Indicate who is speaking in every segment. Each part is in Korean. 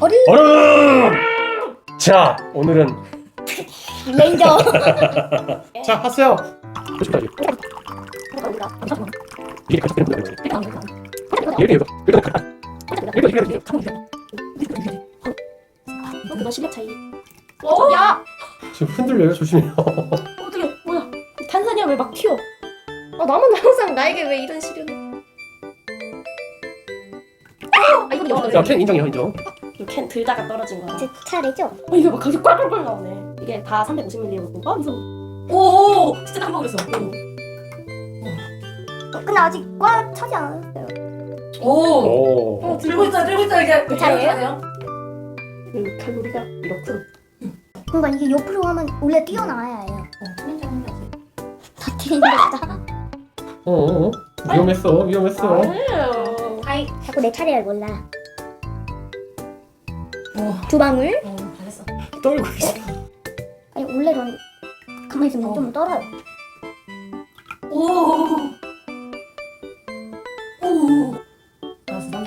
Speaker 1: 얼음! 자, 오늘은
Speaker 2: 레인저.
Speaker 1: 자, 하세요. 표시까지. 이게 가족 되는 거야. 얘가
Speaker 2: 이거 실력 차이.
Speaker 3: 야!
Speaker 1: 지금 흔들려요. 조심해요.
Speaker 2: 어떻게 뭐야? 탄산이야 왜 막 튀어? 아 나만 항상 나에게 왜 이런 시련을? 아 이거
Speaker 1: 자,
Speaker 2: 여기다.
Speaker 1: 캔 인정이요, 인정.
Speaker 2: 캔 들다가 떨어진 거야.
Speaker 4: 제 차례죠?
Speaker 2: 이게 막 가격 꽉꽉꽉 나오네. 이게 다 350ml 아 무서워.
Speaker 3: 오! 진짜 한 번 그랬어.
Speaker 4: 근데 아직 꽉 차지 않았어요.
Speaker 3: 오!
Speaker 1: 오.
Speaker 3: 들고 있다, 들고 있다, 이제.
Speaker 4: 그 차례예요?
Speaker 2: 칼로리가 이렇군.
Speaker 4: 그러니까 이게 옆으로 하면 원래 뛰어나와야 해요. 다 튀는 거다.
Speaker 1: 위험했어, 위험했어.
Speaker 2: 아니에요.
Speaker 4: 아이 자꾸 내 차례를 몰라.
Speaker 3: 오.
Speaker 4: 두 방울.
Speaker 3: 잘했어.
Speaker 1: 떨고 있어.
Speaker 4: 아니 원래 전 가만히 있으면 좀 떨어요.
Speaker 3: 오! 오! 알았어, 난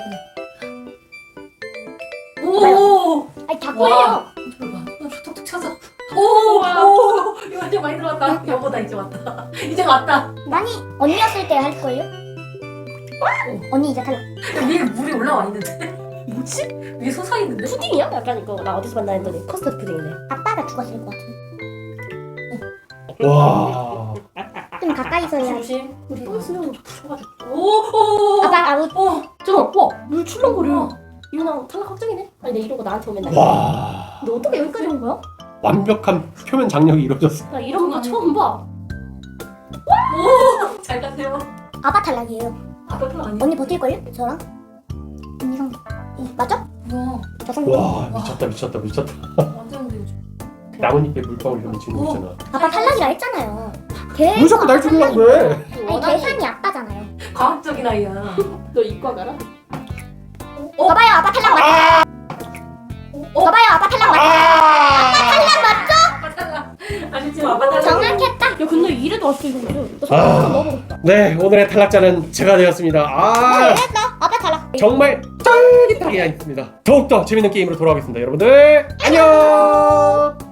Speaker 3: 그래. 오!
Speaker 4: 아니 자꾸
Speaker 3: 와.
Speaker 4: 해요.
Speaker 3: 봐. 툭툭 쳐서. 오! 오! 이거 완전 많이 들어왔다. 여보다 이제 왔다. 이제 왔다.
Speaker 4: 많이 언니였을 때 할 걸요? 언니 이제 탈락.
Speaker 3: 위에 물이 올라와 있는데. 뭐지? 위에 솟아 있는데?
Speaker 2: 푸딩이야? 약간 이거 나 어디서 봤나 했더니 커스터드 푸딩이네.
Speaker 4: 아빠가 죽었을 것 같은데.
Speaker 1: 와.
Speaker 4: 좀 가까이서 해야지.
Speaker 3: 조심.
Speaker 2: 우리 또 수영 풀어가지고.
Speaker 3: 오! 오!
Speaker 4: 아빠 아웃.
Speaker 3: 오!
Speaker 2: 저 오빠 물 출렁거려. 이거랑 탈락 확정이네. 아니 내 이러고 나한테 오면 나.
Speaker 1: 와.
Speaker 2: 너 어떻게 여기까지 온 거야?
Speaker 1: 완벽한 표면 장력이 이루어졌어.
Speaker 2: 나 이런 거 처음 봐.
Speaker 3: 오! 잘 가세요.
Speaker 4: 아빠 탈락이에요.
Speaker 3: 아빠 그거 아니야?
Speaker 4: 언니 버틸걸요? 저랑? 언니 성 맞죠?
Speaker 3: 뭐야?
Speaker 4: 저 성.
Speaker 1: 와, 미쳤다, 미쳤다, 미쳤다.
Speaker 3: 완전 근데 요즘.
Speaker 1: 나뭇잎에 물방울 이런 거 지는 거 있잖아.
Speaker 4: 아빠 탈락이라 했잖아요.
Speaker 1: 왜 자꾸 날 죽이려고 그래?
Speaker 4: 아니 계산이 아빠잖아요.
Speaker 3: 과학적인 아이야.
Speaker 2: 너 이과 가라?
Speaker 4: 봐봐요 아빠 탈락 맞죠? 봐봐요 아빠 탈락 맞죠?
Speaker 3: 아빠 탈락. 아니 지금 아빠 탈락.
Speaker 4: 정확했다.
Speaker 2: 야 근데 이래도 왔어 이거. 나
Speaker 1: 아.
Speaker 2: 잠깐 넣어보겠다.
Speaker 1: 네, 오늘의 탈락자는 제가 되었습니다. 아,
Speaker 4: 했어. 아빠 탈락.
Speaker 1: 정말 쫄깃하게 했습니다. 더욱더 재밌는 게임으로 돌아오겠습니다. 여러분들, 안녕!